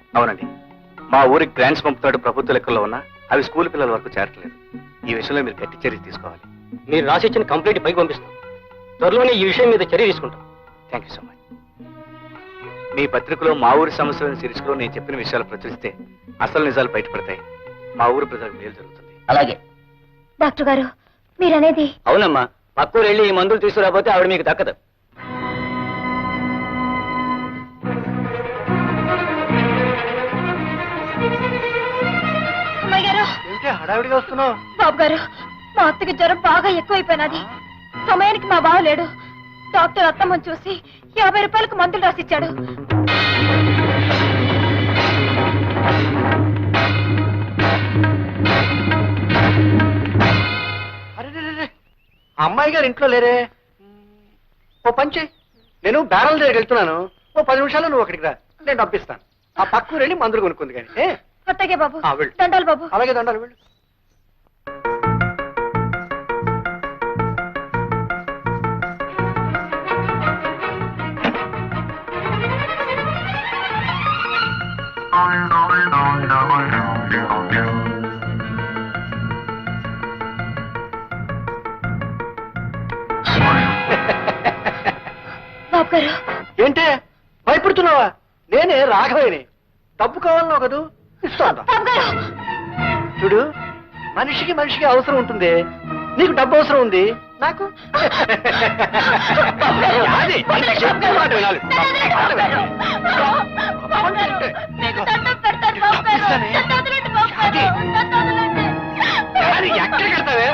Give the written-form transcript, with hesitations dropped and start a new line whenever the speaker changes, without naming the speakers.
అవునండి, మా ఊరికి గ్రాంట్స్ పంపుతాడు ప్రభుత్వ లెక్కల్లో ఉన్నా అవి స్కూల్ పిల్లల వరకు చేరట్లేదు. ఈ విషయంలో మీరు గట్టి చర్య తీసుకోవాలి.
మీరు రాసిచ్చిన కంప్లీట్ పైకి పంపిస్తాం. త్వరలోనే ఈ విషయం మీద చర్య తీసుకుంటాం.
Thank you so much. మీ పత్రికలో మా ఊరి సమస్యలను శీర్షికలో నేను చెప్పిన విషయాలు ప్రచురిస్తే అసలు నిజాలు బయటపడతాయి. మా ఊరు ప్రజలకు మేలు జరుగుతుంది.
అలాగే
డాక్టర్ గారు, మీరనేది
అవునమ్మా. పక్కూరు వెళ్ళి ఈ మందులు తీసుకురాకపోతే ఆవిడ మీకు దక్కదు.
అమ్మాయి గారు,
హడావిడిగా వస్తున్నావు?
బాబు గారు, మా అత్తకి జ్వరం బాగా ఎక్కువైపోయినది. సమయానికి మా బావ లేడు. డాక్టర్ అత్తమ్మని చూసి 50 రూపాయలకు మందులు రాసిచ్చాడు.
అరే, అమ్మాయి గారు ఇంట్లో లేరే. ఓ పంచి, నేను బ్యారల్ దగ్గరికి వెళ్తున్నాను. ఓ 10 నిమిషాలు నువ్వు అక్కడికి రా, నేను పంపిస్తాను. ఆ పక్కూరు వెళ్ళి మందులు కొనుక్కుంది కానీ.
అత్తగే బాబు.
వెళ్ళు.
దండాలు బాబు.
అలాగే దండాలు, వెళ్ళు.
బాబు గారు,
ఏంటే భయపడుతున్నావా? నేనే రాఘవేని. డబ్బు కావాలన్నావు కదూ, ఇస్తాను.
బాబు గారు.
చూడు, మనిషికి మనిషికి అవసరం ఉంటుంది. నీకు డబ్బు అవసరం ఉంది, నాకు అది. చెప్పే మాట వినాలి.
మీకు దండం పెడతాను బాబు గారు.
ఇస్తానే.
నన్ను వదలండి బాబు గారు.
అది.
నన్ను వదలండి.
అది ఎక్కడికి వెళ్తావే?